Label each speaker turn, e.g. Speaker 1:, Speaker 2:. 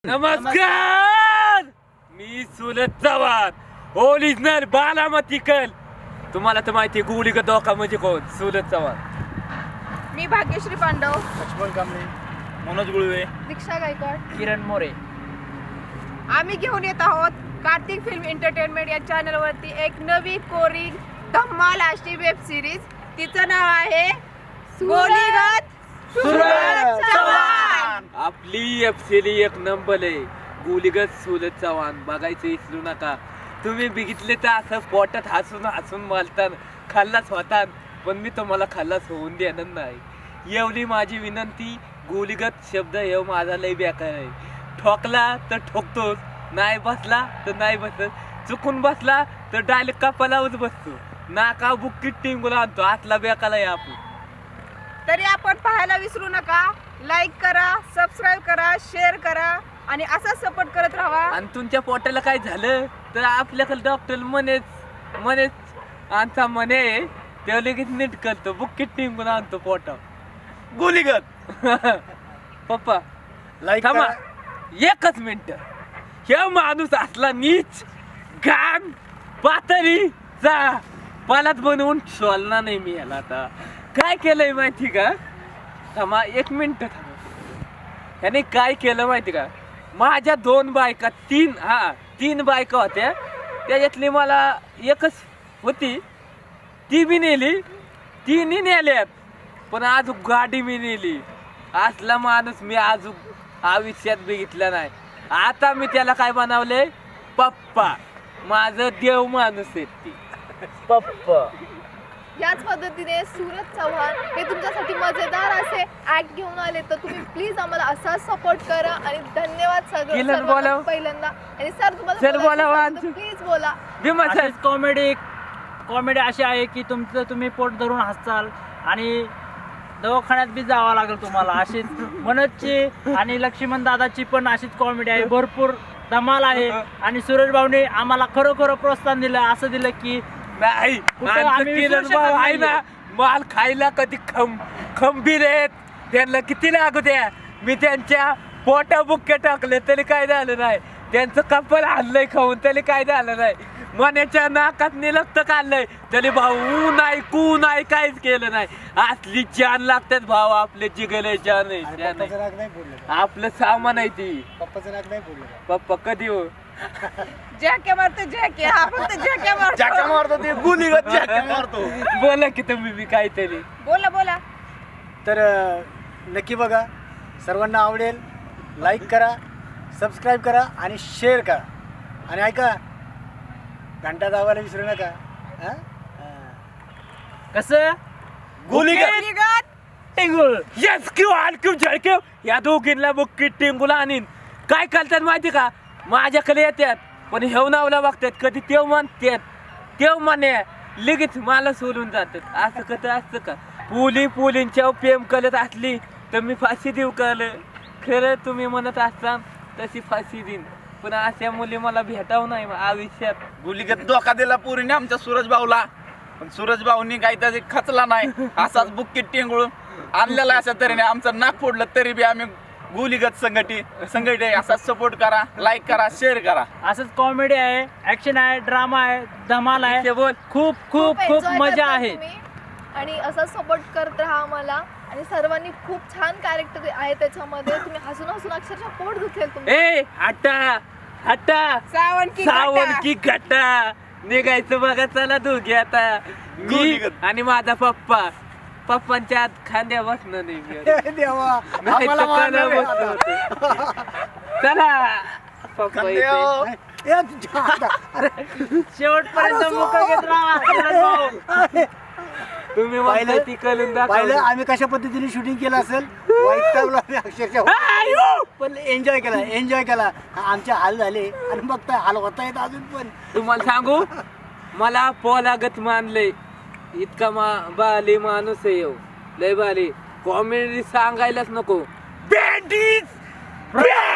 Speaker 1: नमस्कार, मी सुरत चव्हाण ओरिजिनल बालामती कल. तुम्हाला तर माहिती गोळी का धोका म्हणजे कोण? सुरत चव्हाण.
Speaker 2: मी भाग्यश्री पांडव,
Speaker 3: लक्ष्मण कांबळे, मनोज गुळवे,
Speaker 2: दीक्षा गायकवाड,
Speaker 4: किरण मोरे.
Speaker 2: आम्ही घेऊन येत आहोत कार्तिक फिल्म एंटरटेनमेंट या चॅनलवरती एक नवी कोरियन धम्माल अशी वेब सिरीज. तिचं नाव आहे गोलीगत सुरत चव्हाण.
Speaker 1: आपली एफसीली एक नंबर आहे. गोलीगत सुरत चव्हाण बघायचं विसरू नका. तुम्ही बघितले तर असं पोटात हसून हसून मालतात, खाल्लाच होतात, पण मी तुम्हाला खाल्लाच होऊन देणार नाही. एवढी माझी विनंती. गोलीगत शब्द हे माझा लय बेकार आहे. ठोकला तर ठोकतोच, नाही बसला तर नाही बसत, चुकून बसला तर डायरेक्ट कपालावच बसतो, नाका बुक्कीत टिंगूला आणतो. आतला बेकाला आहे आपण.
Speaker 2: तरी आपण पाहायला विसरू नका. लाईक करा, सबस्क्राईब करा, शेअर करा आणि असाच सपोर्ट करत राहा.
Speaker 1: आणि तुमच्या पोटाला काय झालं तर आपल्याकडे डॉक्टर मनेच आमचा मने ते लगेच नीट करतो, बुक्कीत टिंगून आणतो पोटा. गोलीगत पप्पा
Speaker 3: लाईक
Speaker 1: थांबा
Speaker 3: करा.
Speaker 1: एकच मिनिट. हे माणूस असला नीच घाण पातळीचा पालात बनवून सोलना नाही मी याला. आता काय केलंय माहिती का? थांबा एक मिनिट थांबा. ह्याने काय केलं माहिती का? माझ्या दोन बायका तीन बायका होत्या, त्याच्यातली मला एकच होती, ती बी नेली, तिन्ही नेल्यात, पण अजून गाडी मी नेली. असला माणूस मी अजून आयुष्यात बघितला नाही. आता मी त्याला काय बनवले? पप्पा. माझं देव माणूस आहे ती पप्पा.
Speaker 5: याच पद्धतीने सुरत चव्हाण हे तुमच्यासाठी मजेदार असे ऍक्ट घेऊन आले, तर तुम्ही प्लीज आम्हाला असाच सपोर्ट करा. आणि धन्यवाद
Speaker 1: किरण बोला.
Speaker 5: सगळं पहिल्यांदा. आणि सर
Speaker 1: सर बोला,
Speaker 5: प्लीज बोला.
Speaker 4: अशीच कॉमेडी अशी आहे की तुम्ही पोट धरून हसाल आणि दवाखान्यात बी जावं लागेल तुम्हाला. अशीच मनोजची आणि लक्ष्मण दादाची पण अशीच कॉमेडी आहे, भरपूर धमाल आहे. आणि सूरज भाऊने आम्हाला खरोखर प्रोत्साहन दिलं, असं दिलं की
Speaker 1: नाही
Speaker 4: कुठं आम्ही
Speaker 1: किरण
Speaker 4: विसरू
Speaker 1: भाऊ
Speaker 4: शकत
Speaker 1: आहे ना, माल खायला कधी खंबीर आहेत. त्यांना किती लागू द्या, मी त्यांच्या पोटा बुक्के टाकले तरी काय झालं नाही. त्यांचं कपल आणलंय खाऊन तरी काय झालं नाही. मनाच्या नाकात निलक्त काढलंय तरी भाऊ नाही कू नाही काहीच केलं नाही. असली जान लागतात भाऊ, आपले जिगले जान आहे.
Speaker 3: पप्पाचं नाक नाही फोडलं.
Speaker 1: आपलं सामान आहे ती.
Speaker 3: पप्पाचं नाक नाही फोडलं.
Speaker 1: पप्पा कधी हो
Speaker 2: जॅके मारतो जॅके, हा फक्त जॅके
Speaker 3: जाका
Speaker 2: मारतो.
Speaker 3: मारतो ते गुलीगत जाका मारतो.
Speaker 1: बोला की तुम्ही बी काहीतरी.
Speaker 2: बोला बोला.
Speaker 3: तर नक्की बघा, सर्वांना आवडेल. लाईक करा, सबस्क्राईब करा आणि शेअर करा. आणि ऐका, घंटा दाबायला विसरू नका. हा?
Speaker 4: कसं
Speaker 3: गुलीगत.
Speaker 2: गोलीगत
Speaker 4: टिंगुळ.
Speaker 1: यस किंवा आणखी झळके या दोघींना बुक्की टिंगूला आणीन. काय करतात माहिती का? माझ्याकडे येतात पण हेव नावला बघतात, कधी तेव म्हणतात तेव म्हणे लगेच मला सोडून जातात. असं कसं असतं का? पुलींच्या प्रेम करत असली तर मी फाशी देऊ कळलं. खरं तुम्ही म्हणत असता तशी फाशी देईन, पण अशा मुली मला भेटाव नाही आयुष्यात.
Speaker 6: गुलीगत धोका दिला पुरीने आमच्या सूरज भाऊला, पण सूरज भाऊनी काही त्याचे खचला नाही. असाच बुक्कीत टिंगळून आणलेला. अशा तऱ्हेने आमचं नाक फोडलं तरी बी आम्ही गुलीगत संघटी असाच सपोर्ट करा, लाईक करा, शेअर करा.
Speaker 4: असंच कॉमेडी आहे, ऍक्शन आहे, ड्रामा आहे, धमाल आहे.
Speaker 1: ते बोल.
Speaker 4: खूप खूप खूप
Speaker 5: enjoy
Speaker 4: मजा
Speaker 5: करता
Speaker 4: आहे.
Speaker 5: तुम्ही. आणि असाच सपोर्ट करत राहा आम्हाला. आणि सर्वांनी खूप छान कॅरेक्टर आहे त्याच्यामध्ये. तुम्ही हसून हसून अक्षरशः पोट दुखेल तुमचं.
Speaker 1: ए हटा सावण की घटा निघायचं बघा. चला दोघे आता, मी
Speaker 3: गोलीगत.
Speaker 1: आणि माझा पप्पांच्या आत खांद्या बसणं नाही मी.
Speaker 3: देवा,
Speaker 1: नाही तर
Speaker 3: आम्हाला
Speaker 1: काना
Speaker 3: मारणार
Speaker 1: बसणं
Speaker 3: आहे.
Speaker 1: होतं. चला पप्पा येते.
Speaker 6: खांद्यावर.
Speaker 3: ए, तुझ्या- अरे,
Speaker 4: शेवटपर्यंत मुका घेत राहा सूरज भाऊ.
Speaker 1: तुम्ही म्हणताय
Speaker 3: पाहिलं?
Speaker 1: ती करून
Speaker 3: पाहिलं
Speaker 1: दाखव.
Speaker 3: आम्ही कशा पद्धतीने शूटिंग केलं असेल. वैतागलो आम्ही अक्षरशः, पण एन्जॉय केला. आमचे हाल झाले आणि बघताय हाल होता येत अजून पण.
Speaker 1: तुम्हाला सांगू, मला पोलागत मानले इतका बाली माणूस आहे येऊ लय बाली. कॉमेडी सांगायलाच नको. बँडीज